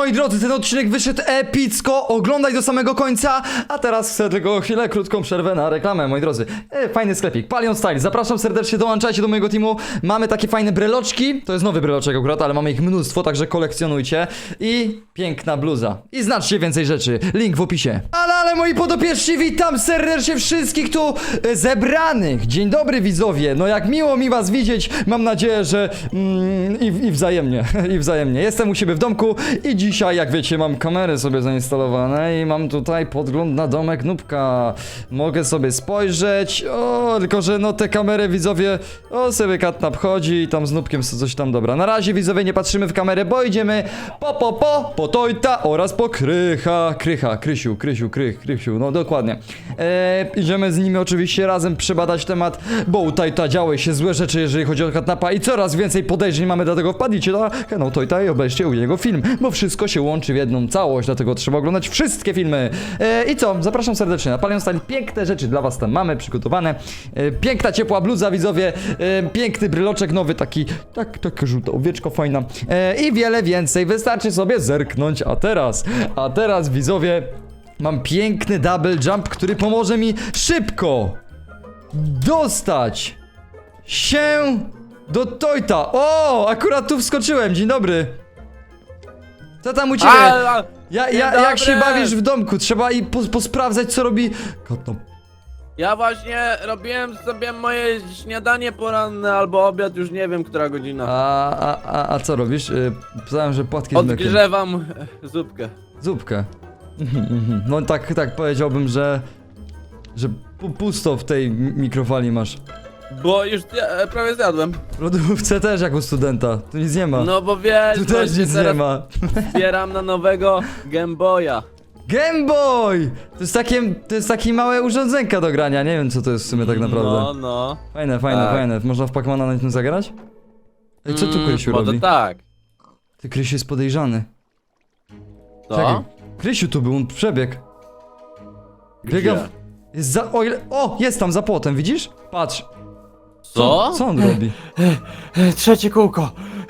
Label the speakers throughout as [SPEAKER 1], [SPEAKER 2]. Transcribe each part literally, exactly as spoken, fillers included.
[SPEAKER 1] Moi drodzy, ten odcinek wyszedł epicko, oglądaj do samego końca. A teraz chcę tylko chwilę, krótką przerwę na reklamę, moi drodzy. e, Fajny sklepik, Palion Style, zapraszam serdecznie, dołączajcie do mojego teamu. Mamy takie fajne breloczki, to jest nowy breloczek akurat, ale mamy ich mnóstwo, także kolekcjonujcie. I piękna bluza, i znaczcie więcej rzeczy, link w opisie. Ale, ale moi podopieczni, witam serdecznie wszystkich tu e, zebranych. Dzień dobry widzowie, no jak miło mi was widzieć. Mam nadzieję, że mm, i, i wzajemnie, i wzajemnie. Jestem u siebie w domku i dzisiaj, jak wiecie, mam kamery sobie zainstalowane i mam tutaj podgląd na domek Nubka. Mogę sobie spojrzeć, o, tylko że no te kamery, widzowie, o, sobie Katnap chodzi i tam z Nubkiem coś tam, dobra. Na razie, widzowie, nie patrzymy w kamerę, bo idziemy po, po, po, po Tojta oraz po Krycha, Krycha, Krysiu, Krysiu, Krych, Krysiu, no dokładnie. E, idziemy z nimi oczywiście razem przebadać temat, bo u Tojta działy się złe rzeczy, jeżeli chodzi o Katnapa i coraz więcej podejrzeń mamy, dlatego wpadnijcie na kanał Tojta i obejrzcie u niego film, bo wszystko się łączy w jedną całość, dlatego trzeba oglądać wszystkie filmy. E, I co? Zapraszam serdecznie na Palion Style. Piękne rzeczy dla was tam mamy przygotowane. E, piękna, ciepła bluza, widzowie. E, piękny bryloczek nowy, taki, tak, taka żółta owieczka fajna. E, I wiele więcej. Wystarczy sobie zerknąć. A teraz, a teraz, widzowie, mam piękny double jump, który pomoże mi szybko dostać się do Tojta. O, akurat tu wskoczyłem. Dzień dobry. Co tam u ciebie?
[SPEAKER 2] A, a,
[SPEAKER 1] Ja,
[SPEAKER 2] dzień
[SPEAKER 1] ja, jak się
[SPEAKER 2] dobry.
[SPEAKER 1] bawisz w domku? Trzeba i pos, posprawdzać, co robi Katnap.
[SPEAKER 2] Ja właśnie robiłem sobie moje śniadanie poranne albo obiad, już nie wiem, która godzina.
[SPEAKER 1] A, a, a, a co robisz? Yy, Pisałem, że płatki z mlekiem.
[SPEAKER 2] Odgrzewam e, zupkę.
[SPEAKER 1] Zupkę. No tak, tak powiedziałbym, że że pu- pusto w tej mi- mikrofali masz.
[SPEAKER 2] Bo już ja, prawie zjadłem.
[SPEAKER 1] W lodówce też jak u studenta. Tu nic nie ma.
[SPEAKER 2] No bo wiesz,
[SPEAKER 1] Tu też
[SPEAKER 2] właśnie
[SPEAKER 1] nic nie
[SPEAKER 2] teraz
[SPEAKER 1] ma.
[SPEAKER 2] zbieram na nowego Game Boya.
[SPEAKER 1] Game Boy! To jest takie, to jest takie małe urządzenka do grania. Nie wiem, co to jest w sumie tak naprawdę.
[SPEAKER 2] No, no.
[SPEAKER 1] Fajne, fajne,
[SPEAKER 2] Tak.
[SPEAKER 1] fajne. Można w Pacmana na tym zagrać? Ej, co tu
[SPEAKER 2] Mm,
[SPEAKER 1] Krysiu
[SPEAKER 2] może
[SPEAKER 1] robi?
[SPEAKER 2] tak.
[SPEAKER 1] Ty, Krysiu jest podejrzany.
[SPEAKER 2] Co?
[SPEAKER 1] Czekaj. Krysiu tu był, on przebiegł. Biega.
[SPEAKER 2] Gdzie?
[SPEAKER 1] Jest za. O, ile... o, jest tam za płotem, widzisz? Patrz.
[SPEAKER 2] Co?
[SPEAKER 1] Co on robi?
[SPEAKER 3] Trzecie kółko.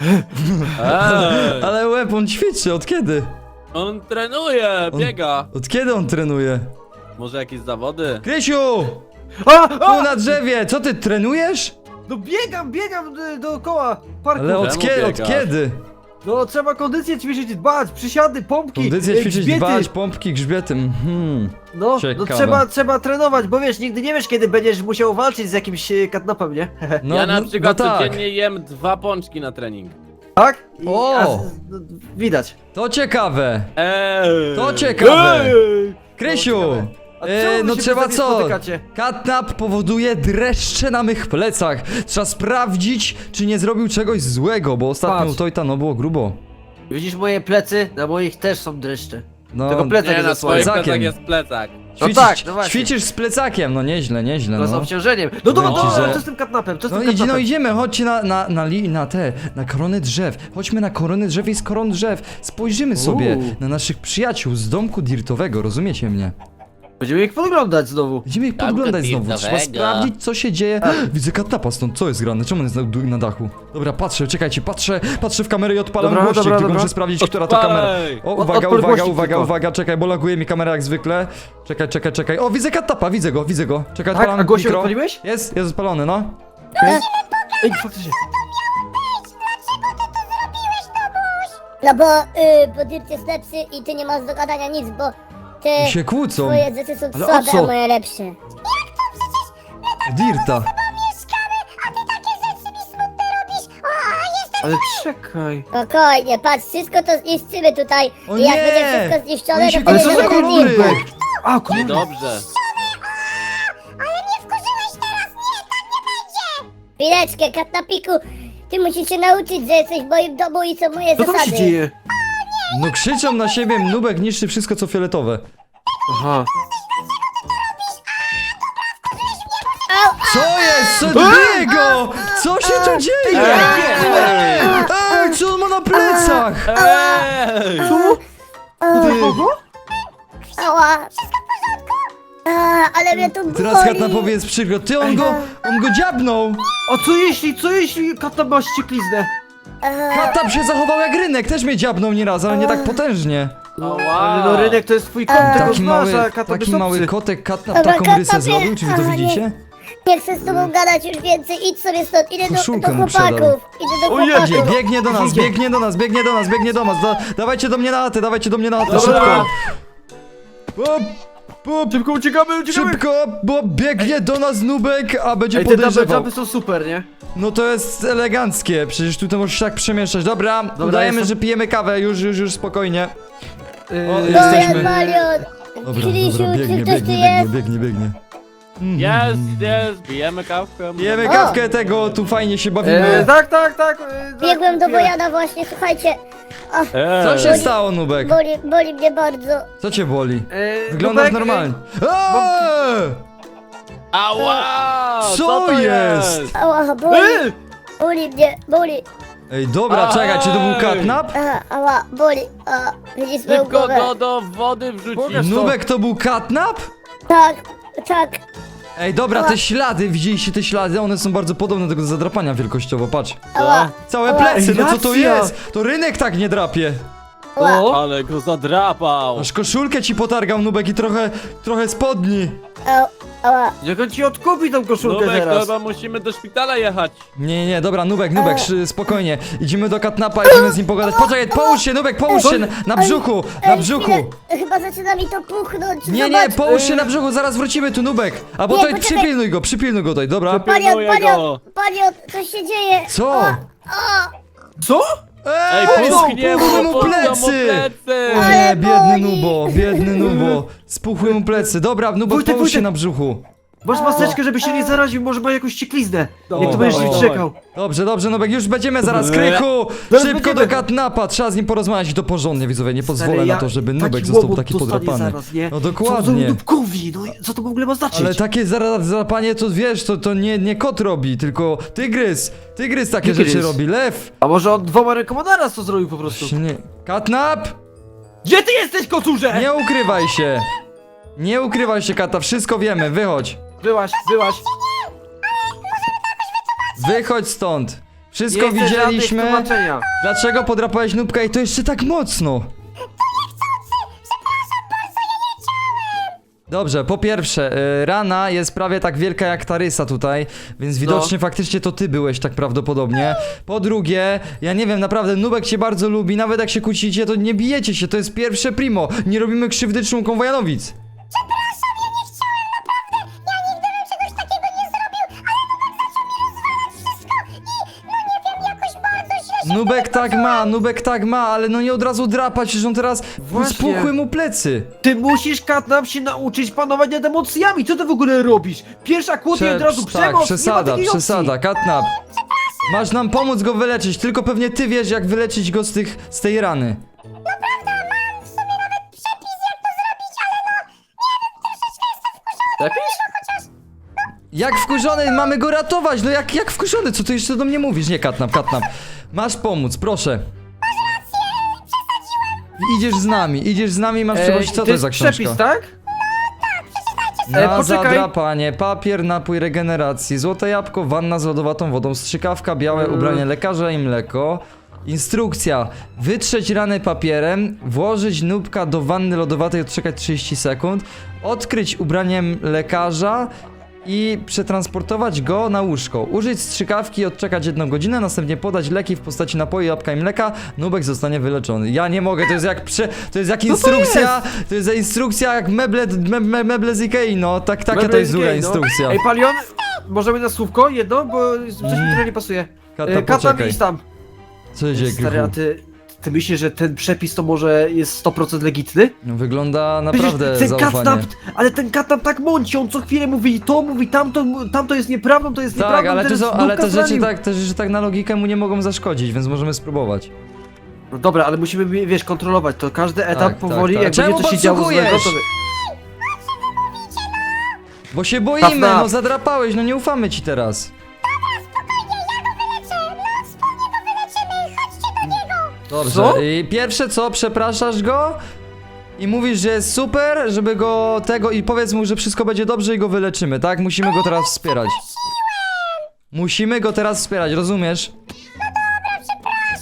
[SPEAKER 2] Ej,
[SPEAKER 1] Ale łeb, on ćwiczy, od kiedy?
[SPEAKER 2] on trenuje,
[SPEAKER 1] On-
[SPEAKER 2] biega.
[SPEAKER 1] Od kiedy on trenuje?
[SPEAKER 2] Może jakieś zawody?
[SPEAKER 1] Krysiu!
[SPEAKER 3] A,
[SPEAKER 1] Tu
[SPEAKER 3] a!
[SPEAKER 1] na drzewie! Co ty trenujesz?
[SPEAKER 3] No biegam, biegam y, dookoła parku.
[SPEAKER 1] Ale od,
[SPEAKER 2] Czemu
[SPEAKER 1] kie... od
[SPEAKER 2] biegasz?
[SPEAKER 1] kiedy?
[SPEAKER 3] No trzeba kondycję ćwiczyć, dbać, przysiady, pompki.
[SPEAKER 1] Kondycję
[SPEAKER 3] y,
[SPEAKER 1] ćwiczyć,
[SPEAKER 3] grzbiety.
[SPEAKER 1] dbać, pompki, grzbietem. Hmm.
[SPEAKER 3] No, no
[SPEAKER 1] Ciekawe.
[SPEAKER 3] trzeba, trzeba trenować, bo wiesz, nigdy nie wiesz, kiedy będziesz musiał walczyć z jakimś y, katnapem, nie?
[SPEAKER 1] No,
[SPEAKER 2] ja na
[SPEAKER 1] no,
[SPEAKER 2] przykład
[SPEAKER 1] no tak.
[SPEAKER 2] codziennie jem dwa pączki na trening.
[SPEAKER 3] Tak? I,
[SPEAKER 1] O!
[SPEAKER 3] a, no, widać.
[SPEAKER 1] To ciekawe.
[SPEAKER 2] Eee.
[SPEAKER 1] To ciekawe.
[SPEAKER 3] Ej!
[SPEAKER 1] Krysiu!
[SPEAKER 3] No, ciekawe. A
[SPEAKER 1] E,
[SPEAKER 3] czemu wy
[SPEAKER 1] no
[SPEAKER 3] się
[SPEAKER 1] trzeba
[SPEAKER 3] wtedy
[SPEAKER 1] co?
[SPEAKER 3] spotykacie?
[SPEAKER 1] Katnap powoduje dreszcze na mych plecach. Trzeba sprawdzić, czy nie zrobił czegoś złego, bo ostatnio
[SPEAKER 3] Patrz.
[SPEAKER 1] u Tojta no było grubo.
[SPEAKER 3] Widzisz moje plecy? Na moich też są dreszcze.
[SPEAKER 1] No,
[SPEAKER 3] Tylko plecak
[SPEAKER 2] Nie,
[SPEAKER 3] jest
[SPEAKER 2] na swoich
[SPEAKER 1] plecakiem.
[SPEAKER 2] plecach jest plecak.
[SPEAKER 1] ćwiczysz,
[SPEAKER 3] tak, no właśnie.
[SPEAKER 1] ćwiczysz z plecakiem, no nieźle, nieźle,
[SPEAKER 3] No z
[SPEAKER 1] no.
[SPEAKER 3] obciążeniem. No dobra,
[SPEAKER 1] Powiem ci,
[SPEAKER 3] dobra,
[SPEAKER 1] że-
[SPEAKER 3] co z tym katnapem? Co z
[SPEAKER 1] No,
[SPEAKER 3] tym
[SPEAKER 1] idź, no
[SPEAKER 3] katnapem?
[SPEAKER 1] idziemy, chodźcie na, na, na, li, na te, na korony drzew. Chodźmy na korony drzew i z koron drzew. Spojrzymy sobie
[SPEAKER 3] Uuu.
[SPEAKER 1] na naszych przyjaciół z domku dirtowego, rozumiecie mnie?
[SPEAKER 3] Będziemy ich podglądać znowu.
[SPEAKER 1] Będziemy ich
[SPEAKER 2] Domku
[SPEAKER 1] podglądać znowu,
[SPEAKER 2] dirtowego.
[SPEAKER 1] trzeba sprawdzić, co się dzieje. Widzę Katnapa stąd, co jest grane? Czemu on jest na, na dachu? Dobra, patrzę, czekajcie, patrzę, patrzę w kamerę i odpalam
[SPEAKER 3] Dobra,
[SPEAKER 1] głośnik,
[SPEAKER 3] dobra,
[SPEAKER 1] tylko
[SPEAKER 3] dobra.
[SPEAKER 1] muszę sprawdzić, która to kamera.
[SPEAKER 2] Odpalaj.
[SPEAKER 1] O,
[SPEAKER 3] Od-
[SPEAKER 1] uwaga,
[SPEAKER 3] odpal
[SPEAKER 1] uwaga,
[SPEAKER 3] głośnik
[SPEAKER 1] uwaga,
[SPEAKER 3] tylko.
[SPEAKER 1] uwaga, czekaj, bo laguje mi kamera jak zwykle. Czekaj, czekaj, czekaj. O, widzę Katnapa, widzę go, widzę go. Czekaj,
[SPEAKER 3] Tak,
[SPEAKER 1] odpalam
[SPEAKER 3] a głośnik
[SPEAKER 1] mikro.
[SPEAKER 3] odpaliłeś?
[SPEAKER 1] Jest, jest odpalony, no.
[SPEAKER 3] Ej, faktycznie.
[SPEAKER 4] No bo, y, bo Dirt jest lepszy i ty nie masz do gadania nic, bo
[SPEAKER 1] I
[SPEAKER 4] te
[SPEAKER 1] się kłócą.
[SPEAKER 4] twoje rzeczy są
[SPEAKER 3] Ale o
[SPEAKER 4] słabe,
[SPEAKER 3] co?
[SPEAKER 4] a moje lepsze.
[SPEAKER 1] Dirta.
[SPEAKER 3] Ale czekaj.
[SPEAKER 4] Spokojnie, patrz, wszystko to zniszczymy tutaj.
[SPEAKER 1] O
[SPEAKER 4] I jak
[SPEAKER 1] nie!
[SPEAKER 4] będzie wszystko zniszczone,
[SPEAKER 1] Oni się
[SPEAKER 4] to
[SPEAKER 3] Ale
[SPEAKER 4] wtedy
[SPEAKER 3] co za
[SPEAKER 4] będę
[SPEAKER 3] kolory?
[SPEAKER 4] Dirta.
[SPEAKER 3] A, kurde.
[SPEAKER 2] Dobrze.
[SPEAKER 4] Chwileczkę, Katnapiku, ty musisz się nauczyć, że jesteś w moim domu i są moje
[SPEAKER 3] Co tam się
[SPEAKER 4] zasady.
[SPEAKER 3] dzieje?
[SPEAKER 1] No krzyczą na siebie, Nubek niszczy wszystko co fioletowe.
[SPEAKER 3] Aha.
[SPEAKER 4] Au,
[SPEAKER 1] Co jest? Co biego? Co się tu dzieje? Ej, co on ma na plecach?
[SPEAKER 2] Ej!
[SPEAKER 3] Co?
[SPEAKER 1] Ty.
[SPEAKER 3] Kogo?
[SPEAKER 4] ała. A, ale mnie tu
[SPEAKER 1] Teraz
[SPEAKER 4] boli.
[SPEAKER 1] Katnapowi jest przykro. Ty, on go, on go dziabnął.
[SPEAKER 3] A co jeśli, co jeśli katnap ma ściekliznę?
[SPEAKER 4] Aha.
[SPEAKER 1] Katnap się zachował jak rynek, też mnie dziabnął nieraz, ale nie tak potężnie.
[SPEAKER 3] Ale no rynek to jest twój kąt, tego
[SPEAKER 1] Taki mały,
[SPEAKER 3] znasz, a Katnap
[SPEAKER 1] taki
[SPEAKER 3] jest
[SPEAKER 1] mały
[SPEAKER 3] obcy.
[SPEAKER 1] kotek Katnap
[SPEAKER 4] Dobra,
[SPEAKER 1] taką rysę
[SPEAKER 4] Katnapie.
[SPEAKER 1] zrobił, czy wy to
[SPEAKER 4] Aha, nie.
[SPEAKER 1] widzicie?
[SPEAKER 4] Nie chcę z tobą gadać już więcej, idź sobie stąd, idę do,
[SPEAKER 1] Koszulkę
[SPEAKER 4] do
[SPEAKER 1] mu przedał.
[SPEAKER 4] chłopaków. Idę do
[SPEAKER 3] O Jezu.
[SPEAKER 1] Biegnie,
[SPEAKER 4] chłopaków.
[SPEAKER 1] biegnie do nas,
[SPEAKER 3] Idzie.
[SPEAKER 1] biegnie do nas, biegnie do nas, biegnie do nas. Da, dawajcie do mnie na atę, dawajcie do mnie na atę,
[SPEAKER 3] Dobra.
[SPEAKER 1] szybko. Hop, hop,
[SPEAKER 3] Szybko uciekamy, uciekamy!
[SPEAKER 1] szybko, bo biegnie do nas Nubek, a będzie
[SPEAKER 3] Ej, te double
[SPEAKER 1] podejrzewał.
[SPEAKER 3] jumpy są super, nie?
[SPEAKER 1] No to jest eleganckie, przecież tutaj możesz się tak przemieszczać. Dobra, udajemy,
[SPEAKER 3] jestem.
[SPEAKER 1] że pijemy kawę, już, już, już, spokojnie.
[SPEAKER 3] Yy,
[SPEAKER 1] O,
[SPEAKER 4] No,
[SPEAKER 1] jesteśmy.
[SPEAKER 4] Jan Marion.
[SPEAKER 1] Dobra,
[SPEAKER 4] Krzysiu,
[SPEAKER 1] dobra,
[SPEAKER 4] czy
[SPEAKER 1] biegnie,
[SPEAKER 4] ktoś tu
[SPEAKER 1] biegnie, biegnie,
[SPEAKER 4] jest?
[SPEAKER 1] biegnie, biegnie.
[SPEAKER 2] Jest, jest, pijemy kawkę.
[SPEAKER 1] Pijemy
[SPEAKER 4] O.
[SPEAKER 1] kawkę tego, tu fajnie się bawimy.
[SPEAKER 3] Yy, tak, tak, tak. Yy, tak,
[SPEAKER 4] Biegłem do
[SPEAKER 3] yy.
[SPEAKER 4] Bojana właśnie, słuchajcie. Ach,
[SPEAKER 2] Ej.
[SPEAKER 1] Co się stało, Nubek?
[SPEAKER 4] boli, boli mnie bardzo.
[SPEAKER 1] Co cię boli?
[SPEAKER 3] Yy,
[SPEAKER 1] Wyglądasz
[SPEAKER 3] Nubek,
[SPEAKER 1] normalnie. Eee!
[SPEAKER 2] Ała!
[SPEAKER 1] Co
[SPEAKER 2] to
[SPEAKER 1] jest?
[SPEAKER 4] Ała, boli,
[SPEAKER 3] Yy!
[SPEAKER 4] boli mnie, boli.
[SPEAKER 1] Ej, dobra,
[SPEAKER 2] Ej!
[SPEAKER 1] czekaj, czy to był katnap?
[SPEAKER 4] Aha, ała, boli. A, widzisz moją
[SPEAKER 2] Szybko
[SPEAKER 4] głowę?
[SPEAKER 2] go do wody wrzucić.
[SPEAKER 3] Pokaż.
[SPEAKER 1] Nubek to był katnap?
[SPEAKER 4] Tak, tak.
[SPEAKER 1] Ej, dobra, te ślady, widzieliście te ślady? One są bardzo podobne do tego zadrapania wielkościowo, patrz.
[SPEAKER 4] Ała,
[SPEAKER 1] Całe
[SPEAKER 4] Ała.
[SPEAKER 1] plecy, no co to
[SPEAKER 3] Racja.
[SPEAKER 1] jest? To rynek tak nie drapie.
[SPEAKER 4] ała.
[SPEAKER 3] O!
[SPEAKER 2] Ale go zadrapał.
[SPEAKER 1] Aż koszulkę ci potargał, Nubek, i trochę, trochę spodni.
[SPEAKER 4] Ała, ała.
[SPEAKER 3] Jak on ci odkupi tą koszulkę
[SPEAKER 2] Nubek, to
[SPEAKER 3] teraz?
[SPEAKER 2] chyba musimy do szpitala jechać.
[SPEAKER 1] Nie, nie, dobra, Nubek, Nubek, szy- spokojnie. Idziemy do katnapa, idziemy z nim pogadać. Poczekaj, połóż się, Nubek, połóż się na, na brzuchu, na
[SPEAKER 4] Ej,
[SPEAKER 1] brzuchu.
[SPEAKER 4] chwilę, chyba zaczyna mi to puchnąć.
[SPEAKER 1] Nie, nie,
[SPEAKER 4] Zobacz.
[SPEAKER 1] połóż się na brzuchu, zaraz wrócimy tu, Nubek. Albo
[SPEAKER 4] Nie,
[SPEAKER 1] tutaj
[SPEAKER 4] poczekaj.
[SPEAKER 1] przypilnuj go, przypilnuj go tutaj, dobra?
[SPEAKER 4] Panion,
[SPEAKER 2] Pilnuję
[SPEAKER 4] panion,
[SPEAKER 2] go.
[SPEAKER 4] panion, coś się dzieje.
[SPEAKER 1] Co?
[SPEAKER 4] O,
[SPEAKER 3] Co?
[SPEAKER 2] Ej,
[SPEAKER 1] Ej,
[SPEAKER 2] puchnie
[SPEAKER 1] spuchły
[SPEAKER 2] mu,
[SPEAKER 1] mu
[SPEAKER 2] puchną mu
[SPEAKER 1] plecy!
[SPEAKER 2] plecy.
[SPEAKER 1] O nie,
[SPEAKER 4] Ale
[SPEAKER 1] biedny
[SPEAKER 4] boli.
[SPEAKER 1] Nubo, biedny Nubo. Spuchły mu plecy. Dobra, Nubo,
[SPEAKER 3] Wojtek,
[SPEAKER 1] połóż się
[SPEAKER 3] Wojtek.
[SPEAKER 1] na brzuchu.
[SPEAKER 3] Masz maseczkę, żeby się nie zaraził, może ma jakąś ciekliznę.
[SPEAKER 2] Dawaj,
[SPEAKER 3] Jak to będziesz
[SPEAKER 2] dawaj,
[SPEAKER 3] się czekał.
[SPEAKER 1] Dobrze, dobrze, Nubek, już będziemy zaraz, Krychu!
[SPEAKER 3] Zaraz
[SPEAKER 1] Szybko
[SPEAKER 3] będziemy.
[SPEAKER 1] do katnapa, trzeba z nim porozmawiać i to porządnie, widzowie, nie pozwolę
[SPEAKER 3] Stary,
[SPEAKER 1] na
[SPEAKER 3] ja-
[SPEAKER 1] to, żeby
[SPEAKER 3] taki
[SPEAKER 1] Nubek został
[SPEAKER 3] łomot
[SPEAKER 1] taki
[SPEAKER 3] dostanie
[SPEAKER 1] podrapany.
[SPEAKER 3] Zaraz, nie?
[SPEAKER 1] No
[SPEAKER 3] Co
[SPEAKER 1] dokładnie.
[SPEAKER 3] za dupkowi, no co to w ogóle ma znaczyć?
[SPEAKER 1] Ale takie zara- załapanie to wiesz, to, to nie, nie kot robi, tylko tygrys. Tygrys takie
[SPEAKER 3] Tygrys.
[SPEAKER 1] rzeczy robi, lew.
[SPEAKER 3] A może on dwoma rękoma naraz to zrobił po prostu?
[SPEAKER 1] Nie. Katnap!
[SPEAKER 3] Gdzie ty jesteś, kocurze?
[SPEAKER 1] Nie ukrywaj się! Nie ukrywaj się, Kata, wszystko wiemy, wychodź.
[SPEAKER 3] Byłaś, byłaś.
[SPEAKER 1] Wychodź stąd. Wszystko
[SPEAKER 3] Nie chcę żadnych
[SPEAKER 1] widzieliśmy.
[SPEAKER 3] tłumaczenia.
[SPEAKER 1] Dlaczego podrapałeś Nubka i to jeszcze tak mocno? Dobrze, po pierwsze, y, rana jest prawie tak wielka jak ta rysa tutaj, więc widocznie faktycznie to ty byłeś tak prawdopodobnie. Po drugie, ja nie wiem, naprawdę Nubek cię bardzo lubi, nawet jak się kłócicie, to nie bijecie się, to jest pierwsze primo. Nie robimy krzywdy członkom Wojanowic. Nubek tak ma, Nubek tak ma, ale no nie od razu drapać, że on teraz
[SPEAKER 3] Właśnie.
[SPEAKER 1] spuchły mu plecy.
[SPEAKER 3] Ty musisz, Katnap, się nauczyć panować nad emocjami. Co ty w ogóle robisz? Pierwsza kłótnia i od razu
[SPEAKER 1] tak,
[SPEAKER 3] przemoc.
[SPEAKER 1] przesada,
[SPEAKER 3] nie ma takiej
[SPEAKER 1] przesada,
[SPEAKER 3] opcji.
[SPEAKER 1] Katnap. Masz nam pomóc go wyleczyć, tylko pewnie ty wiesz jak wyleczyć go z tych, z tej rany.
[SPEAKER 3] Lepiej?
[SPEAKER 1] Jak wkurzony, mamy go ratować, no jak, jak wkurzony, co ty jeszcze do mnie mówisz? Nie, Katnap, Katnap. Masz pomóc, proszę. Idziesz z nami, idziesz z nami, masz przeprosić, co to jest za książka?
[SPEAKER 3] przepis, tak?
[SPEAKER 1] Na
[SPEAKER 3] E, poczekaj.
[SPEAKER 1] zadrapanie, papier, napój regeneracji, złote jabłko, wanna z lodowatą wodą, strzykawka, białe
[SPEAKER 3] Mm.
[SPEAKER 1] ubranie lekarza i mleko. Instrukcja. Wytrzeć ranę papierem, włożyć Nubka do wanny lodowatej, odczekać trzydzieści sekund, odkryć ubraniem lekarza i przetransportować go na łóżko. Użyć strzykawki, odczekać jedną godzinę, następnie podać leki w postaci napoju, jabłka i mleka. Nubek zostanie wyleczony. Ja nie mogę, to jest jak prze, to jest jak
[SPEAKER 3] No to
[SPEAKER 1] instrukcja, to jest instrukcja jak meble, me, me, meble z Ikei, no. Tak, taka to
[SPEAKER 3] Meble
[SPEAKER 1] jest
[SPEAKER 3] z
[SPEAKER 1] długa
[SPEAKER 3] Ikei, no.
[SPEAKER 1] instrukcja.
[SPEAKER 3] Ej, Palion, możemy na słówko jedno, bo coś mi trochę nie pasuje.
[SPEAKER 1] Kata,
[SPEAKER 3] E, Katnap,
[SPEAKER 1] poczekaj.
[SPEAKER 3] idź tam.
[SPEAKER 1] Co się dzieje,
[SPEAKER 3] Stary, a
[SPEAKER 1] Krychu?
[SPEAKER 3] ty, ty myślisz, że ten przepis to może jest sto procent legitny?
[SPEAKER 1] No, wygląda naprawdę
[SPEAKER 3] Przecież ten
[SPEAKER 1] zaufanie.
[SPEAKER 3] Katnap, ale ten Katnap tak mąci, on co chwilę mówi to, mówi tamto, tamto jest nieprawdą, to jest
[SPEAKER 1] Tak,
[SPEAKER 3] nieprawdą,
[SPEAKER 1] ale, to
[SPEAKER 3] ten
[SPEAKER 1] są, ale te
[SPEAKER 3] Nubka
[SPEAKER 1] rzeczy
[SPEAKER 3] zranił.
[SPEAKER 1] tak, te rzeczy tak na logikę mu nie mogą zaszkodzić, więc możemy spróbować.
[SPEAKER 3] No dobra, ale musimy, wiesz, kontrolować to, każdy etap
[SPEAKER 1] Tak,
[SPEAKER 3] powoli,
[SPEAKER 1] tak, tak.
[SPEAKER 3] jak
[SPEAKER 1] Czemu
[SPEAKER 3] będzie coś się działo
[SPEAKER 1] podsłuchujesz?
[SPEAKER 3] złego, to... wy-
[SPEAKER 1] Bo się boimy,
[SPEAKER 3] Katnap.
[SPEAKER 1] no zadrapałeś, no nie ufamy ci teraz. Dobrze,
[SPEAKER 3] Co?
[SPEAKER 1] i pierwsze co, przepraszasz go i mówisz, że jest super, żeby go tego i powiedz mu, że wszystko będzie dobrze i go wyleczymy, tak? Musimy go teraz wspierać. Musimy go teraz wspierać, rozumiesz?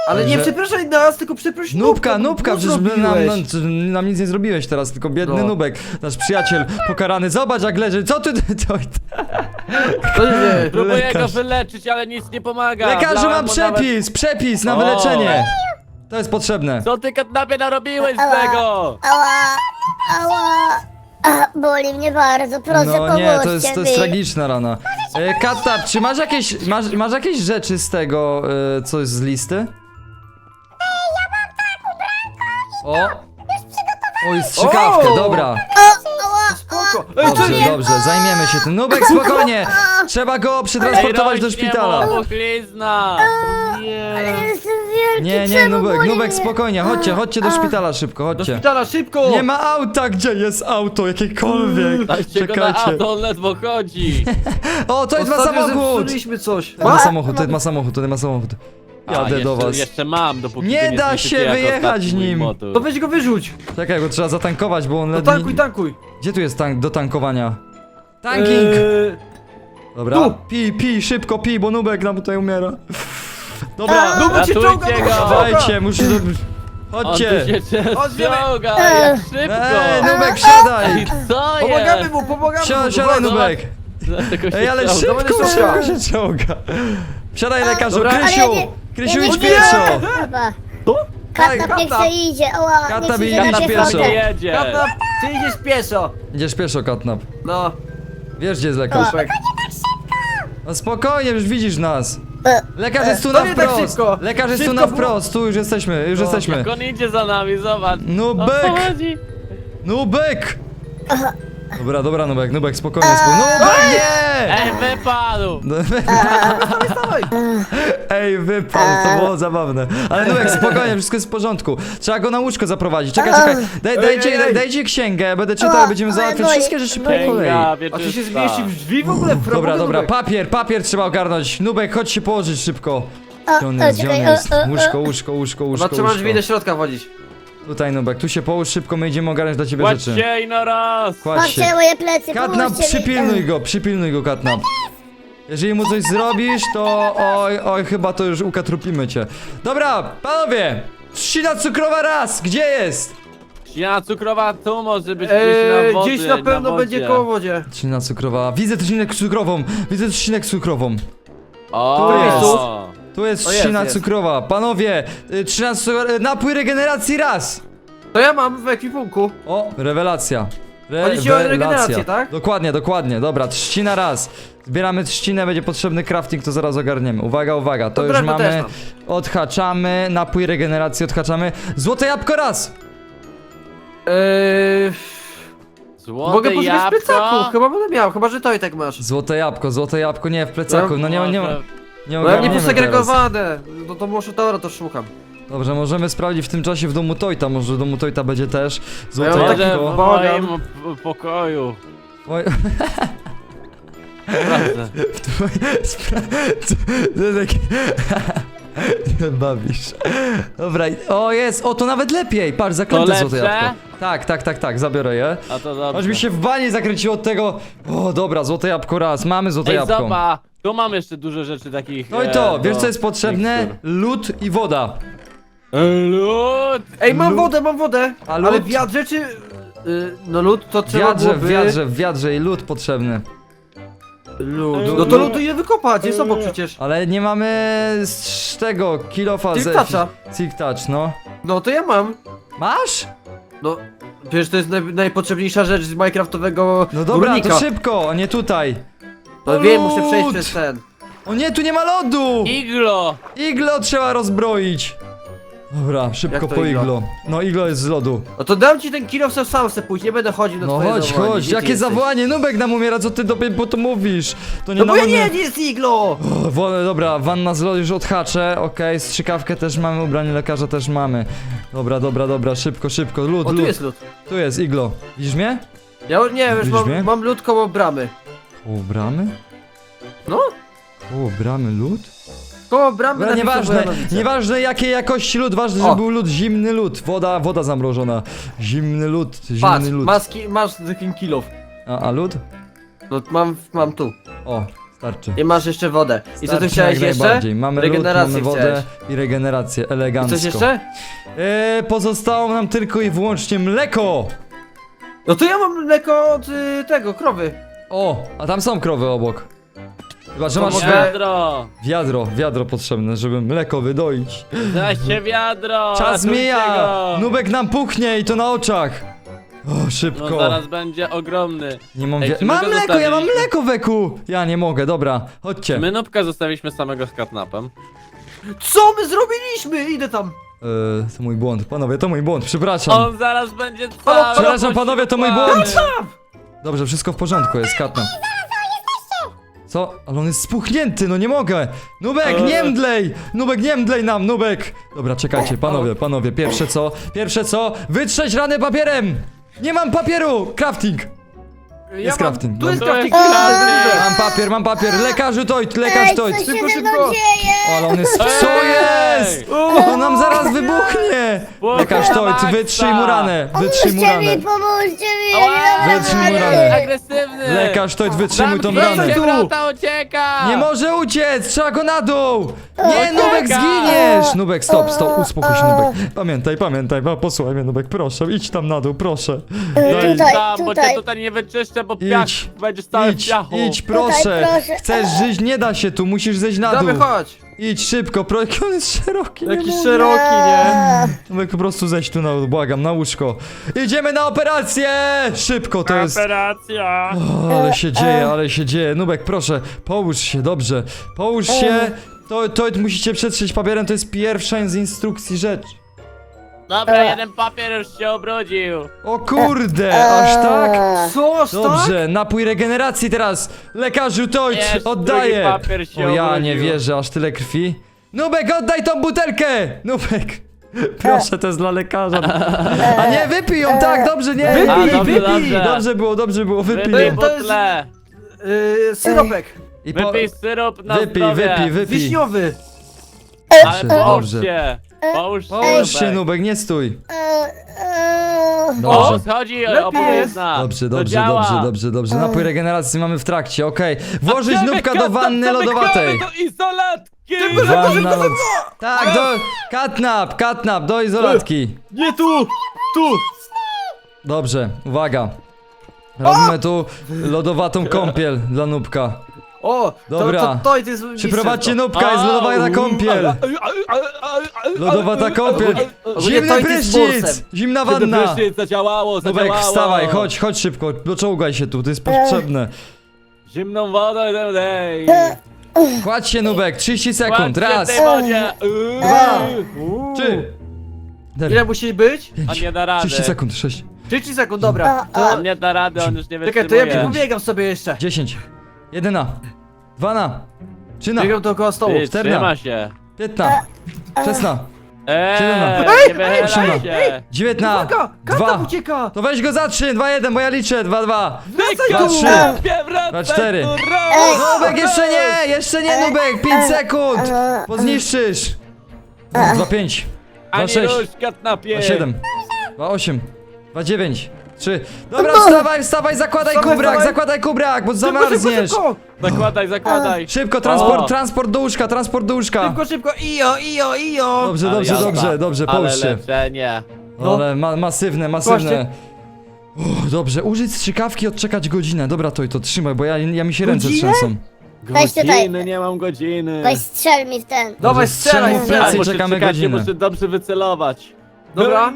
[SPEAKER 3] Ale nie
[SPEAKER 1] Że-
[SPEAKER 3] przepraszaj nas, tylko przeproś
[SPEAKER 1] Nubka,
[SPEAKER 3] bo
[SPEAKER 1] Nubka,
[SPEAKER 3] co
[SPEAKER 1] przecież my nam,
[SPEAKER 3] zrobiłeś?
[SPEAKER 1] nam, nam nic nie zrobiłeś teraz, tylko biedny
[SPEAKER 3] No.
[SPEAKER 1] Nubek, nasz przyjaciel pokarany. Zobacz jak leży, co ty... To,
[SPEAKER 3] Co się dzieje?
[SPEAKER 2] Próbuję
[SPEAKER 1] Lekarz.
[SPEAKER 2] go wyleczyć, ale nic nie pomaga.
[SPEAKER 1] lekarzu,
[SPEAKER 2] Wlałem
[SPEAKER 1] mam
[SPEAKER 2] mu nawet-
[SPEAKER 1] przepis, przepis na
[SPEAKER 2] O.
[SPEAKER 1] wyleczenie. To jest potrzebne.
[SPEAKER 2] Co ty katnapie narobiłeś z
[SPEAKER 4] Ała.
[SPEAKER 2] tego?
[SPEAKER 4] Ała, ała. A, boli mnie bardzo, proszę
[SPEAKER 1] No
[SPEAKER 4] pomóżcie
[SPEAKER 1] nie, to jest, to jest
[SPEAKER 4] mi.
[SPEAKER 1] tragiczna rana. E, Katap, czy masz jakieś, masz, masz jakieś rzeczy z tego, e, coś z listy? O! Oj, strzykawkę,
[SPEAKER 3] O!
[SPEAKER 1] dobra.
[SPEAKER 4] O, ała,
[SPEAKER 3] Spoko. Ej, co
[SPEAKER 1] Dobrze,
[SPEAKER 3] nie?
[SPEAKER 1] dobrze, zajmiemy się tym. Nubek, spokojnie! Trzeba go przetransportować do
[SPEAKER 2] rośnie
[SPEAKER 1] szpitala.
[SPEAKER 2] mu puchlizna.
[SPEAKER 3] Nie.
[SPEAKER 4] jestem wielki,
[SPEAKER 1] Nie, nie,
[SPEAKER 4] czemu
[SPEAKER 1] Nubek,
[SPEAKER 4] boli
[SPEAKER 1] Nubek,
[SPEAKER 4] mnie?
[SPEAKER 1] spokojnie, chodźcie, chodźcie do
[SPEAKER 4] A.
[SPEAKER 1] szpitala szybko,
[SPEAKER 3] Do
[SPEAKER 1] chodźcie.
[SPEAKER 3] szpitala, szybko!
[SPEAKER 1] Nie ma auta, gdzie jest auto, jakiekolwiek.
[SPEAKER 2] Dajcie go na
[SPEAKER 1] Czekajcie.
[SPEAKER 2] auto, on ledwo chodzi.
[SPEAKER 1] O, to jest ma
[SPEAKER 3] Ostatnio
[SPEAKER 1] samochód!
[SPEAKER 3] zepsuliśmy coś.
[SPEAKER 1] To ma
[SPEAKER 3] Ma?
[SPEAKER 1] samochód, to ma samochód, to ma samochód.
[SPEAKER 2] A,
[SPEAKER 1] Jadę
[SPEAKER 2] jeszcze,
[SPEAKER 1] do was.
[SPEAKER 2] Jeszcze mam, dopóki
[SPEAKER 1] Nie
[SPEAKER 2] wy
[SPEAKER 1] da
[SPEAKER 2] zniszczycie
[SPEAKER 1] się
[SPEAKER 2] jak
[SPEAKER 1] wyjechać
[SPEAKER 2] ostatni mój
[SPEAKER 1] nim.
[SPEAKER 2] motor.
[SPEAKER 3] To weź go wyrzuć.
[SPEAKER 1] Czekaj, go trzeba zatankować, bo on
[SPEAKER 3] No
[SPEAKER 1] ledwie...
[SPEAKER 3] tankuj, tankuj.
[SPEAKER 1] Gdzie tu jest tank do tankowania? Tanking!
[SPEAKER 3] Eee,
[SPEAKER 1] Dobra,
[SPEAKER 3] tu.
[SPEAKER 1] pij, pij, szybko pij, bo Nubek nam tutaj umiera. Dobra,
[SPEAKER 3] Nubek się
[SPEAKER 2] Ratujcie
[SPEAKER 3] czołga,
[SPEAKER 2] go.
[SPEAKER 3] Nubek się czołga.
[SPEAKER 1] dajcie, muszę... do-
[SPEAKER 2] On tu
[SPEAKER 1] Chodźcie!
[SPEAKER 2] się
[SPEAKER 3] Chodźmy.
[SPEAKER 2] ściąga,
[SPEAKER 4] Ej.
[SPEAKER 2] jak szybko.
[SPEAKER 1] Ej, Nubek, siadaj!
[SPEAKER 2] Ej, co
[SPEAKER 3] Pomagamy
[SPEAKER 2] jest?
[SPEAKER 3] mu, pomagamy
[SPEAKER 1] Siadaj,
[SPEAKER 3] mu.
[SPEAKER 1] siadaj,
[SPEAKER 3] Dobra,
[SPEAKER 1] Nubek!
[SPEAKER 2] Dlatego się
[SPEAKER 1] Ej, ale
[SPEAKER 2] ściąga.
[SPEAKER 1] szybko,
[SPEAKER 3] Dobra,
[SPEAKER 1] szybko
[SPEAKER 3] szybko.
[SPEAKER 1] się czołga. Siadaj, lekarzu,
[SPEAKER 3] Dobra.
[SPEAKER 1] Krysiu!
[SPEAKER 4] Ale ja nie-
[SPEAKER 1] Krysiu,
[SPEAKER 4] ja nie
[SPEAKER 1] idź
[SPEAKER 4] chcę
[SPEAKER 1] pieszo!
[SPEAKER 4] Chyba.
[SPEAKER 3] To?
[SPEAKER 4] Katnap niech
[SPEAKER 3] Katnap.
[SPEAKER 4] se idzie, ała,
[SPEAKER 1] Katnap
[SPEAKER 4] niech
[SPEAKER 1] idzie
[SPEAKER 4] idzie na
[SPEAKER 1] pieszo.
[SPEAKER 4] piechotę.
[SPEAKER 2] Nie jedzie.
[SPEAKER 3] Katnap, ty idziesz pieszo.
[SPEAKER 1] Idziesz pieszo, Katnap.
[SPEAKER 3] No,
[SPEAKER 1] Wiesz, gdzie jest lekarz?
[SPEAKER 3] Nubek.
[SPEAKER 1] No spokojnie, już widzisz nas.
[SPEAKER 4] E,
[SPEAKER 1] Lekarz jest tu
[SPEAKER 3] to
[SPEAKER 1] na
[SPEAKER 3] nie tak
[SPEAKER 1] wprost.
[SPEAKER 3] szybko.
[SPEAKER 1] Lekarz jest tu
[SPEAKER 3] Szybko
[SPEAKER 1] na
[SPEAKER 3] było.
[SPEAKER 1] wprost, tu już jesteśmy, już
[SPEAKER 3] No,
[SPEAKER 1] jesteśmy.
[SPEAKER 2] Jak on idzie za nami, zobacz.
[SPEAKER 1] Nubek!
[SPEAKER 2] O co chodzi?
[SPEAKER 1] Nubek! Dobra, dobra, Nubek, Nubek, spokojnie, spokojnie. Nubek, nie!
[SPEAKER 2] Ej, wypadł.
[SPEAKER 3] Dawaj.
[SPEAKER 1] Ej, wypadł, to było zabawne. Ale Nubek, spokojnie, wszystko jest w porządku. Trzeba go na łóżko zaprowadzić. Czekaj, czekaj. Daj,
[SPEAKER 3] Ej,
[SPEAKER 1] dajcie,
[SPEAKER 3] ej,
[SPEAKER 1] daj,
[SPEAKER 3] ej.
[SPEAKER 1] dajcie księgę, będę czytał, będziemy
[SPEAKER 4] O,
[SPEAKER 1] załatwiać
[SPEAKER 4] ale
[SPEAKER 1] wszystkie
[SPEAKER 4] boi,
[SPEAKER 1] rzeczy po
[SPEAKER 4] boi.
[SPEAKER 1] kolei.
[SPEAKER 2] Księga
[SPEAKER 3] A ty się
[SPEAKER 2] wieczysta.
[SPEAKER 3] zmieści w drzwi w ogóle? W
[SPEAKER 1] Dobra,
[SPEAKER 3] robocie,
[SPEAKER 1] dobra,
[SPEAKER 3] Nubek.
[SPEAKER 1] papier, papier trzeba ogarnąć. Nubek, chodź się położyć szybko.
[SPEAKER 4] O,
[SPEAKER 1] Gdzie on
[SPEAKER 4] o,
[SPEAKER 1] jest, gdzie on
[SPEAKER 4] czekaj,
[SPEAKER 1] jest?
[SPEAKER 4] o, o, o.
[SPEAKER 1] Łóżko, łóżko, łóżko, łóżko,
[SPEAKER 3] Chyba trzeba drzwi do
[SPEAKER 1] łóżko.
[SPEAKER 3] środka wchodzić.
[SPEAKER 1] Tutaj, Nubek, tu się połóż szybko, my idziemy ogarnąć dla ciebie rzeczy.
[SPEAKER 2] Kładźcie i na raz.
[SPEAKER 1] Kładź się.
[SPEAKER 4] Patrzcie moje plecy,
[SPEAKER 1] Katnap,
[SPEAKER 4] pomóżcie mi.
[SPEAKER 1] przypilnuj go, przypilnuj go, Katnap. Jeżeli mu coś zrobisz, to oj, oj, chyba to już ukatrupimy cię. Dobra, panowie! Trzcina cukrowa raz, gdzie jest?
[SPEAKER 2] Śniadanie cukrowa tu może być gdzieś
[SPEAKER 3] Eee,
[SPEAKER 2] na wodzie,
[SPEAKER 3] gdzieś na pewno
[SPEAKER 2] wodzie.
[SPEAKER 3] będzie koło wodzie.
[SPEAKER 1] Trzcina cukrowa, widzę trzcinę cukrową, widzę trzcinę cukrową.
[SPEAKER 2] O,
[SPEAKER 1] Tu jest. Tu jest
[SPEAKER 3] O, jest,
[SPEAKER 1] trzcina
[SPEAKER 3] jest.
[SPEAKER 1] cukrowa. Panowie, y, trzcina cukrowa, y, napój regeneracji raz.
[SPEAKER 3] To ja mam w ekwipunku.
[SPEAKER 1] O, rewelacja.
[SPEAKER 3] Chodzi ci o regenerację, tak?
[SPEAKER 1] Dokładnie, dokładnie. Dobra, trzcina raz. Zbieramy trzcinę, będzie potrzebny crafting, to zaraz ogarniemy. Uwaga, uwaga, to
[SPEAKER 3] To
[SPEAKER 1] już
[SPEAKER 3] drewno też
[SPEAKER 1] mamy.
[SPEAKER 3] mam.
[SPEAKER 1] Odhaczamy, napój regeneracji odhaczamy. Złote jabłko raz.
[SPEAKER 3] Eee,
[SPEAKER 2] Złote
[SPEAKER 3] mogę poszukać w
[SPEAKER 2] jabłko.
[SPEAKER 3] plecaku, chyba będę miał, chyba że to i tak masz.
[SPEAKER 1] Złote jabłko, złote jabłko, nie, w plecaku, no nie, nie, nie,
[SPEAKER 2] Może-
[SPEAKER 1] nie
[SPEAKER 3] No ja mnie
[SPEAKER 1] ogarniemy teraz.
[SPEAKER 3] posegregowane, no to może to, to szukam.
[SPEAKER 1] Dobrze, możemy sprawdzić w tym czasie w domu Tojta, może w domu Tojta będzie też złote
[SPEAKER 3] Ja mam
[SPEAKER 2] Może
[SPEAKER 1] jabłko.
[SPEAKER 2] w
[SPEAKER 3] Bałagan.
[SPEAKER 2] moim p- pokoju.
[SPEAKER 1] Oj,
[SPEAKER 2] Prawda.
[SPEAKER 1] spra- co- to takie... Nie bawisz. Dobra, i- o jest, o to nawet lepiej, patrz, zaklęte
[SPEAKER 2] To
[SPEAKER 1] złote
[SPEAKER 2] lepsze?
[SPEAKER 1] jabłko. Tak, tak, tak, tak, zabiorę je.
[SPEAKER 2] A to dobrze.
[SPEAKER 1] Aż mi się w banie zakręciło od tego. O, dobra, złote jabłko raz, mamy złote
[SPEAKER 2] Ej,
[SPEAKER 1] jabłko.
[SPEAKER 2] zobacz, tu mam jeszcze dużo rzeczy takich.
[SPEAKER 1] No i
[SPEAKER 2] e,
[SPEAKER 1] to,
[SPEAKER 2] do
[SPEAKER 1] wiesz co jest potrzebne?
[SPEAKER 2] mikstur.
[SPEAKER 1] Lód i woda.
[SPEAKER 2] Lód!
[SPEAKER 3] Ej, mam
[SPEAKER 1] Lód.
[SPEAKER 3] wodę, mam wodę!
[SPEAKER 1] A
[SPEAKER 3] Ale
[SPEAKER 1] lód?
[SPEAKER 3] w wiadrze czy... y, no lód to
[SPEAKER 1] W
[SPEAKER 3] trzeba
[SPEAKER 1] wiadrze, w
[SPEAKER 3] byłoby...
[SPEAKER 1] wiadrze, w wiadrze i lód potrzebny.
[SPEAKER 3] Lód. No to lód ile wykopać, jest obok przecież.
[SPEAKER 1] Ale nie mamy z tego kilofa
[SPEAKER 3] Silk toucha.
[SPEAKER 1] Silk touch, no.
[SPEAKER 3] No to ja mam.
[SPEAKER 1] Masz?
[SPEAKER 3] No, przecież to jest naj, najpotrzebniejsza rzecz z minecraftowego
[SPEAKER 1] No dobra,
[SPEAKER 3] górnika.
[SPEAKER 1] to szybko, a nie tutaj.
[SPEAKER 3] No wiem, muszę
[SPEAKER 1] Lód!
[SPEAKER 3] przejść przez ten.
[SPEAKER 1] O nie, tu nie ma lodu!
[SPEAKER 2] Iglo!
[SPEAKER 1] Iglo trzeba rozbroić. Dobra, szybko
[SPEAKER 3] Jak to
[SPEAKER 1] po
[SPEAKER 3] iglo?
[SPEAKER 1] iglo. No iglo jest z lodu.
[SPEAKER 3] No to dam ci ten kilo, sam sam se pójść, nie będę chodził na
[SPEAKER 1] No
[SPEAKER 3] twoje
[SPEAKER 1] chodź,
[SPEAKER 3] zawołanie.
[SPEAKER 1] chodź,
[SPEAKER 3] Gdzie ty
[SPEAKER 1] jakie
[SPEAKER 3] jesteś?
[SPEAKER 1] zawołanie, Nubek nam umiera, co ty dopiero po to mówisz? To nie
[SPEAKER 3] No bo ja
[SPEAKER 1] na
[SPEAKER 3] nie,
[SPEAKER 1] mnie-
[SPEAKER 3] nie jest iglo!
[SPEAKER 1] O, wo- dobra, wanna z lodu już odhaczę, okej, strzykawkę też mamy, ubranie lekarza też mamy. Dobra, dobra, dobra, szybko, szybko, lód,
[SPEAKER 3] O, tu
[SPEAKER 1] lód.
[SPEAKER 3] jest lód.
[SPEAKER 1] Tu jest iglo. Widzisz mnie?
[SPEAKER 3] Ja nie, już
[SPEAKER 1] Widzisz mnie?
[SPEAKER 3] mam, mam lód koło bramy.
[SPEAKER 1] Koło bramy?
[SPEAKER 3] No,
[SPEAKER 1] Koło bramy lód?
[SPEAKER 3] koło bramy
[SPEAKER 1] Dobra,
[SPEAKER 3] na
[SPEAKER 1] nieważne,
[SPEAKER 3] Witowanowice.
[SPEAKER 1] nieważne jakiej jakości lód, ważne, żeby
[SPEAKER 3] O.
[SPEAKER 1] był lód, zimny lód, woda, woda zamrożona. Zimny lód, zimny
[SPEAKER 3] Patrz,
[SPEAKER 1] lód.
[SPEAKER 3] masz, ki- masz ten kilów.
[SPEAKER 1] A, a lód?
[SPEAKER 3] No mam, mam tu.
[SPEAKER 1] O, Starczy.
[SPEAKER 3] I masz jeszcze wodę. I co ty
[SPEAKER 1] Starczy
[SPEAKER 3] chciałeś
[SPEAKER 1] jak
[SPEAKER 3] jeszcze?
[SPEAKER 1] najbardziej. Mamy lód,
[SPEAKER 3] Regenerację
[SPEAKER 1] mamy wodę
[SPEAKER 3] chciałeś.
[SPEAKER 1] i regenerację,
[SPEAKER 3] I
[SPEAKER 1] elegancko.
[SPEAKER 3] coś jeszcze?
[SPEAKER 1] Eee, pozostało nam tylko i wyłącznie mleko!
[SPEAKER 3] No to ja mam mleko od y, tego, krowy.
[SPEAKER 1] O, a tam są krowy obok. Chyba, że
[SPEAKER 3] To
[SPEAKER 1] masz
[SPEAKER 3] mogę-
[SPEAKER 1] wi-
[SPEAKER 2] Wiadro!
[SPEAKER 1] wiadro, wiadro potrzebne, żeby mleko wydoić.
[SPEAKER 2] Zaście wiadro!
[SPEAKER 1] Czas
[SPEAKER 2] ratujcie
[SPEAKER 1] mija!
[SPEAKER 2] go.
[SPEAKER 1] Nubek nam puchnie i to na oczach. O,
[SPEAKER 2] No
[SPEAKER 1] szybko.
[SPEAKER 2] zaraz będzie ogromny.
[SPEAKER 1] Nie mam
[SPEAKER 2] Ej,
[SPEAKER 1] wi-
[SPEAKER 2] czy my
[SPEAKER 1] Mam
[SPEAKER 2] go
[SPEAKER 1] mleko, ja mam
[SPEAKER 2] zostawiliśmy?
[SPEAKER 1] mleko, Weku! Ja nie mogę, dobra, chodźcie.
[SPEAKER 2] My Nubka zostawiliśmy samego z katnapem.
[SPEAKER 3] Co my zrobiliśmy? Idę tam.
[SPEAKER 1] Eee, to mój błąd, panowie, to mój błąd, przepraszam.
[SPEAKER 2] On zaraz będzie cały
[SPEAKER 1] Przepraszam, panowie, to mój błąd.
[SPEAKER 2] poświęcony.
[SPEAKER 1] Dobrze, wszystko w porządku, jest katna. Co? Ale on jest spuchnięty, no nie mogę! Nubek,
[SPEAKER 2] Eee.
[SPEAKER 1] nie mdlej! Nubek, nie mdlej nam, Nubek! Dobra, czekajcie, panowie, panowie, pierwsze co? Pierwsze co? Wytrzeć ranę papierem! Nie mam papieru! Crafting!
[SPEAKER 3] Ja
[SPEAKER 1] Jest
[SPEAKER 3] mam-
[SPEAKER 1] crafting,
[SPEAKER 3] Tu jest
[SPEAKER 1] dobra.
[SPEAKER 3] crafting.
[SPEAKER 2] To jest
[SPEAKER 3] tu jest
[SPEAKER 2] crafting.
[SPEAKER 3] crafting.
[SPEAKER 1] Mam papier, mam papier, lekarzu Tojt, lekarz
[SPEAKER 4] Ej,
[SPEAKER 1] Tojt!
[SPEAKER 4] co się
[SPEAKER 3] Szybko,
[SPEAKER 4] ze mną
[SPEAKER 3] szybko.
[SPEAKER 4] dzieje?
[SPEAKER 1] Ale on jest... Co jest? On nam zaraz wybuchnie! Lekarz Tojt, wytrzyj mu ranę, wytrzyj mu
[SPEAKER 4] Pomóżcie
[SPEAKER 1] ranę.
[SPEAKER 4] mi, pomóżcie mi, ja
[SPEAKER 2] Ała!
[SPEAKER 4] nie dam
[SPEAKER 1] Wytrzyj mu
[SPEAKER 4] rady.
[SPEAKER 1] ranę.
[SPEAKER 2] Agresywny!
[SPEAKER 1] Lekarz Tojt, wytrzymuj tą
[SPEAKER 2] Zamknij
[SPEAKER 1] ranę.
[SPEAKER 2] się, wrota ucieka!
[SPEAKER 1] Nie może uciec! Trzeba go na dół! Nie,
[SPEAKER 2] Ucieka!
[SPEAKER 1] Nubek, zginiesz! Nubek, stop, stop, uspokój się, Nubek. Pamiętaj, pamiętaj, pa- posłuchaj mnie, Nubek, proszę, idź tam na dół, proszę.
[SPEAKER 4] E,
[SPEAKER 1] Daj,
[SPEAKER 4] Tutaj,
[SPEAKER 2] Tam, bo cię
[SPEAKER 4] tutaj.
[SPEAKER 2] tutaj nie wyczyszczę, bo piach
[SPEAKER 1] idź,
[SPEAKER 2] będziesz cały w
[SPEAKER 1] idź,
[SPEAKER 2] piachu.
[SPEAKER 1] idź, proszę.
[SPEAKER 4] Tutaj, proszę.
[SPEAKER 1] Chcesz żyć, nie da się tu, musisz zejść na dół.
[SPEAKER 3] Dawaj, chodź.
[SPEAKER 1] Idź szybko, pro... jaki on jest szeroki, nie
[SPEAKER 3] Jakiś
[SPEAKER 1] mogę.
[SPEAKER 3] szeroki, nie?
[SPEAKER 1] Nubek, po prostu zejdź tu na dół, błagam, na łóżko. Idziemy na operację! Szybko, to jest...
[SPEAKER 2] Operacja!
[SPEAKER 1] O, ale się dzieje, ale się dzieje. Nubek, proszę, połóż się, dobrze. Połóż się. To, to musicie przetrzeć papierem, to jest pierwsza z instrukcji rzecz.
[SPEAKER 2] Dobra, jeden papier już się obrudził.
[SPEAKER 1] O kurde, aż tak?
[SPEAKER 3] Co, aż tak?
[SPEAKER 1] Dobrze, napój regeneracji teraz. Lekarzu Tojt,
[SPEAKER 2] Jest,
[SPEAKER 1] oddaję.
[SPEAKER 2] drugi papier się
[SPEAKER 1] O ja nie
[SPEAKER 2] obrudził.
[SPEAKER 1] wierzę, aż tyle krwi. Nubek, oddaj tą butelkę! Nubek. Proszę, to jest dla lekarza. A nie, wypij ją, tak, dobrze, nie.
[SPEAKER 3] Wypij,
[SPEAKER 2] A,
[SPEAKER 1] Wypij,
[SPEAKER 2] dobrze,
[SPEAKER 1] wypij.
[SPEAKER 2] dobrze.
[SPEAKER 1] Dobrze było, dobrze było, wypij
[SPEAKER 2] Wypij
[SPEAKER 1] ją.
[SPEAKER 3] to jest-
[SPEAKER 2] butlę.
[SPEAKER 3] Yy, syropek.
[SPEAKER 1] I po...
[SPEAKER 2] Wypij syrop na
[SPEAKER 1] Wypij,
[SPEAKER 2] zdrowie.
[SPEAKER 1] wypij, wypij.
[SPEAKER 3] Wiśniowy.
[SPEAKER 2] Ale
[SPEAKER 1] Dobrze,
[SPEAKER 2] połóż
[SPEAKER 1] dobrze.
[SPEAKER 2] się. Połóż się,
[SPEAKER 1] Połóż się,
[SPEAKER 2] Nubek.
[SPEAKER 1] Nubek, nie stój.
[SPEAKER 4] E, e,
[SPEAKER 2] O,
[SPEAKER 1] Dobrze.
[SPEAKER 2] schodzi
[SPEAKER 3] Lepiej
[SPEAKER 2] opowiedna.
[SPEAKER 1] Dobrze,
[SPEAKER 2] To
[SPEAKER 1] dobrze,
[SPEAKER 2] działa.
[SPEAKER 1] dobrze, dobrze, dobrze. Napój regeneracji mamy w trakcie, okej. Włożyć
[SPEAKER 2] Zamykamy,
[SPEAKER 1] nubka do wanny
[SPEAKER 2] zamykamy
[SPEAKER 1] lodowatej.
[SPEAKER 2] do izolatki!
[SPEAKER 1] Wanna lod... Tak, do... Katnap, katnap, do izolatki.
[SPEAKER 3] Nie tu! Tu!
[SPEAKER 1] Dobrze, uwaga. Robimy tu lodowatą kąpiel dla nubka.
[SPEAKER 3] O!
[SPEAKER 1] Dobra.
[SPEAKER 3] To, to, to, to jest
[SPEAKER 1] Przyprowadźcie
[SPEAKER 3] mistrzostwo.
[SPEAKER 1] nubka, jest lodowana kąpiel. Lodowata kąpiel.
[SPEAKER 3] Ogólnie
[SPEAKER 1] Zimny
[SPEAKER 3] to jest
[SPEAKER 1] prysznic,
[SPEAKER 3] bursem.
[SPEAKER 1] zimna wanna.
[SPEAKER 2] zadziałało,
[SPEAKER 1] Nubek, wstawaj, chodź, chodź szybko, doczołgaj się tu, to jest potrzebne.
[SPEAKER 2] Zimną wodę, dej.
[SPEAKER 1] Kładź się, Nubek, trzydzieści sekund, raz,
[SPEAKER 2] wodzie.
[SPEAKER 1] dwa, trzy,
[SPEAKER 3] Ile
[SPEAKER 1] cztery,
[SPEAKER 3] musi być?
[SPEAKER 2] On nie da rady.
[SPEAKER 1] trzydzieści sekund, sześć,
[SPEAKER 3] trzydzieści sekund, dobra.
[SPEAKER 4] A,
[SPEAKER 3] To,
[SPEAKER 2] On nie da rady, on już nie
[SPEAKER 3] czekaj, to ja
[SPEAKER 2] wytrzymuje.
[SPEAKER 3] pobiegam sobie jeszcze.
[SPEAKER 1] dziesięć, jeden, dwa, trzy,
[SPEAKER 3] Biegam dookoła stołu.
[SPEAKER 2] Ty,
[SPEAKER 1] czterna.
[SPEAKER 2] trzyma się.
[SPEAKER 1] piętnaście, szesnaście,
[SPEAKER 2] Eee,
[SPEAKER 1] Siedemna.
[SPEAKER 2] nie wychylaj
[SPEAKER 1] Osiemna.
[SPEAKER 2] się.
[SPEAKER 1] dziewiętnaście,
[SPEAKER 3] Uwaga! Kata
[SPEAKER 1] dwa.
[SPEAKER 3] ucieka!
[SPEAKER 1] To weź go za trzy, dwa, jeden, bo ja liczę, dwa, dwa.
[SPEAKER 3] Wracaj
[SPEAKER 1] Dwa,
[SPEAKER 3] tu!
[SPEAKER 1] trzy.
[SPEAKER 2] Wracaj
[SPEAKER 1] Dwa, cztery.
[SPEAKER 2] tu,
[SPEAKER 1] Nubek, jeszcze nie, jeszcze nie, Nubek, pięć sekund, bo zniszczysz. dwa, pięć, dwa,
[SPEAKER 2] Ani
[SPEAKER 1] sześć,
[SPEAKER 2] różka na
[SPEAKER 1] dwa,
[SPEAKER 2] pie.
[SPEAKER 1] siedem, dwa, osiem, dwa, dziewięć, trzy. Dobra, wstawaj, wstawaj, zakładaj
[SPEAKER 3] Wstawaj,
[SPEAKER 1] kubrak,
[SPEAKER 3] wstawaj.
[SPEAKER 1] zakładaj kubrak, bo
[SPEAKER 3] Szybko, szybko,
[SPEAKER 1] zamarzniesz.
[SPEAKER 3] szybko!
[SPEAKER 2] Zakładaj, zakładaj.
[SPEAKER 1] Szybko, transport,
[SPEAKER 2] O.
[SPEAKER 1] transport do łóżka, transport do łóżka.
[SPEAKER 3] Szybko, szybko! Ijo, ijo, ijo!
[SPEAKER 1] Dobrze,
[SPEAKER 2] Ale
[SPEAKER 1] dobrze,
[SPEAKER 2] jazda.
[SPEAKER 1] dobrze, dobrze,
[SPEAKER 2] Ale
[SPEAKER 1] połóż się.
[SPEAKER 2] leczenie.
[SPEAKER 3] No.
[SPEAKER 1] Ale ma, masywne, masywne. O, dobrze, użyć strzykawki, odczekać godzinę. Dobra, to i to trzymaj, bo ja, ja mi się ręce
[SPEAKER 3] Godzinę?
[SPEAKER 1] trzęsą.
[SPEAKER 4] Weź tutaj.
[SPEAKER 2] Godziny, nie mam godziny.
[SPEAKER 4] Weź strzel mi w ten.
[SPEAKER 3] Dawaj,
[SPEAKER 1] Dobrze,
[SPEAKER 3] strzelaj,
[SPEAKER 1] strzelaj w
[SPEAKER 3] strzelaj!
[SPEAKER 1] plecy i
[SPEAKER 2] muszę
[SPEAKER 1] czekamy
[SPEAKER 2] czekać, nie
[SPEAKER 1] godzinę.
[SPEAKER 2] muszę dobrze wycelować.
[SPEAKER 3] Dobra.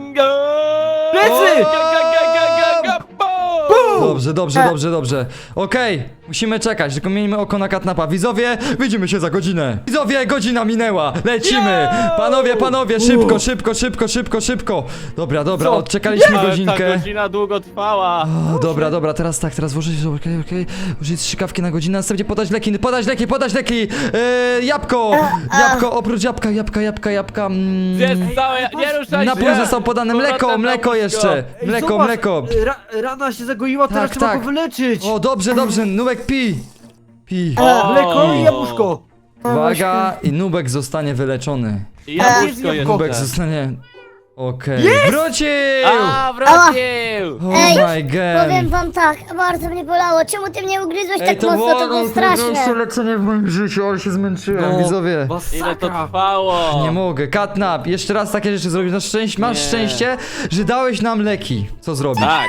[SPEAKER 2] Plecy!
[SPEAKER 3] Plecy!
[SPEAKER 1] Dobrze, dobrze, dobrze, dobrze. Okej, musimy czekać, tylko miejmy oko na katnapa. Widzowie, widzimy się za godzinę. Widzowie, godzina minęła, lecimy. Panowie, panowie, szybko, szybko, szybko, szybko, szybko. Dobra, dobra,
[SPEAKER 3] Co?
[SPEAKER 1] odczekaliśmy
[SPEAKER 2] Ta
[SPEAKER 1] godzinkę.
[SPEAKER 2] godzina długo trwała.
[SPEAKER 1] O, dobra, dobra, teraz tak, teraz włożyć, okej, okej, użyć strzykawki na godzinę, następnie podać leki, podać leki, podać leki, eee, jabłko, jabłko, oprócz jabłka, jabłka, jabłka, jabłka, mm,
[SPEAKER 2] Jest całe, nie ruszaj
[SPEAKER 1] napój
[SPEAKER 2] się.
[SPEAKER 1] został podany,
[SPEAKER 2] Powrotem
[SPEAKER 1] mleko,
[SPEAKER 2] na
[SPEAKER 1] mleko
[SPEAKER 2] łóżko.
[SPEAKER 1] jeszcze,
[SPEAKER 3] Ej,
[SPEAKER 1] mleko,
[SPEAKER 3] zobacz,
[SPEAKER 1] mleko,
[SPEAKER 3] Ra rana się zagoiła, teraz
[SPEAKER 1] Tak,
[SPEAKER 3] trzeba
[SPEAKER 1] tak.
[SPEAKER 3] go wyleczyć!
[SPEAKER 1] o, dobrze, dobrze, Nubek pi, pi,
[SPEAKER 2] O.
[SPEAKER 3] Mleko i jabłuszko!
[SPEAKER 1] uwaga, i Nubek zostanie wyleczony,
[SPEAKER 2] I jabłuszko
[SPEAKER 3] Jest jabłko.
[SPEAKER 1] Nubek
[SPEAKER 2] jeszcze.
[SPEAKER 1] zostanie, Okej, wrócił!
[SPEAKER 2] A, wrócił!
[SPEAKER 1] Oh
[SPEAKER 4] Ej,
[SPEAKER 1] my god.
[SPEAKER 4] Powiem wam tak, bardzo mnie bolało. Czemu ty mnie ugryzłeś
[SPEAKER 1] Ej,
[SPEAKER 4] tak
[SPEAKER 1] to
[SPEAKER 4] mocno?
[SPEAKER 1] było
[SPEAKER 4] To było
[SPEAKER 1] najtrudniejsze
[SPEAKER 4] straszne.
[SPEAKER 1] leczenie w moim życiu, ale się zmęczyłem,
[SPEAKER 3] No,
[SPEAKER 1] widzowie.
[SPEAKER 2] Ile to
[SPEAKER 3] masakra.
[SPEAKER 2] trwało?
[SPEAKER 1] Nie mogę, Catnap, jeszcze raz takie rzeczy zrobisz. Na szczęście, masz
[SPEAKER 2] Nie.
[SPEAKER 1] szczęście, że dałeś nam leki. Co zrobić?
[SPEAKER 2] Tak.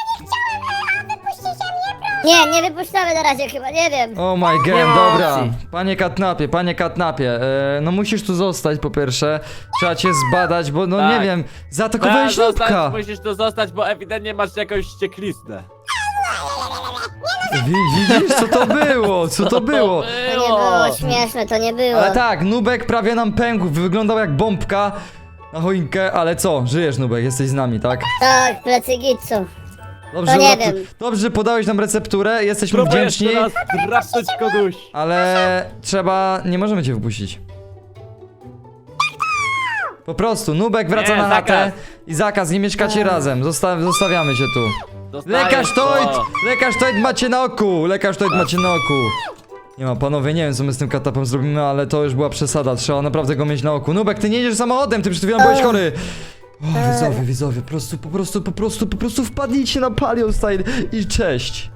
[SPEAKER 4] Nie, nie wypuszczamy na razie chyba, nie wiem.
[SPEAKER 1] Oh my god,
[SPEAKER 3] Nie ma
[SPEAKER 1] dobra.
[SPEAKER 3] opcji.
[SPEAKER 1] Panie Catnapie, panie Catnapie, e, no musisz tu zostać po pierwsze. Trzeba cię zbadać, bo no
[SPEAKER 2] Tak.
[SPEAKER 1] nie wiem, zaatakowałeś
[SPEAKER 2] Tak, zostać,
[SPEAKER 1] Nubka.
[SPEAKER 2] musisz tu zostać, bo ewidentnie masz jakąś ściekliznę.
[SPEAKER 1] Wi- Widzisz, co to było? Co to było?
[SPEAKER 4] To nie było śmieszne, to nie było.
[SPEAKER 1] Ale tak, Nubek prawie nam pękł, wyglądał jak bombka na choinkę, ale co? Żyjesz, Nubek, jesteś z nami, tak?
[SPEAKER 4] Tak, plecy git są.
[SPEAKER 1] Dobrze,
[SPEAKER 4] No nie
[SPEAKER 1] uratu-
[SPEAKER 4] wiem.
[SPEAKER 1] Dobrze, że podałeś nam recepturę, jesteśmy
[SPEAKER 2] Próbuję
[SPEAKER 1] wdzięczni,
[SPEAKER 2] jeszcze raz drapnąć kogoś.
[SPEAKER 1] ale trzeba, nie możemy cię wypuścić. Po prostu, Nubek wraca
[SPEAKER 2] Nie,
[SPEAKER 1] na chatę
[SPEAKER 2] zakaz.
[SPEAKER 1] i zakaz, nie mieszkacie razem, Zosta zostawiamy cię tu.
[SPEAKER 2] Dostajesz
[SPEAKER 1] Lekarz
[SPEAKER 2] to.
[SPEAKER 1] Toid! Lekarz Toid macie na oku! Lekarz Toid macie na oku! Nie ma, panowie, nie wiem co my z tym katapem zrobimy, ale to już była przesada, trzeba naprawdę go mieć na oku. Nubek, ty nie jedziesz samochodem, ty przed chwilą byłeś chory! O, widzowie, widzowie, po prostu, po prostu, po prostu, po prostu wpadnijcie na Palion Style i cześć!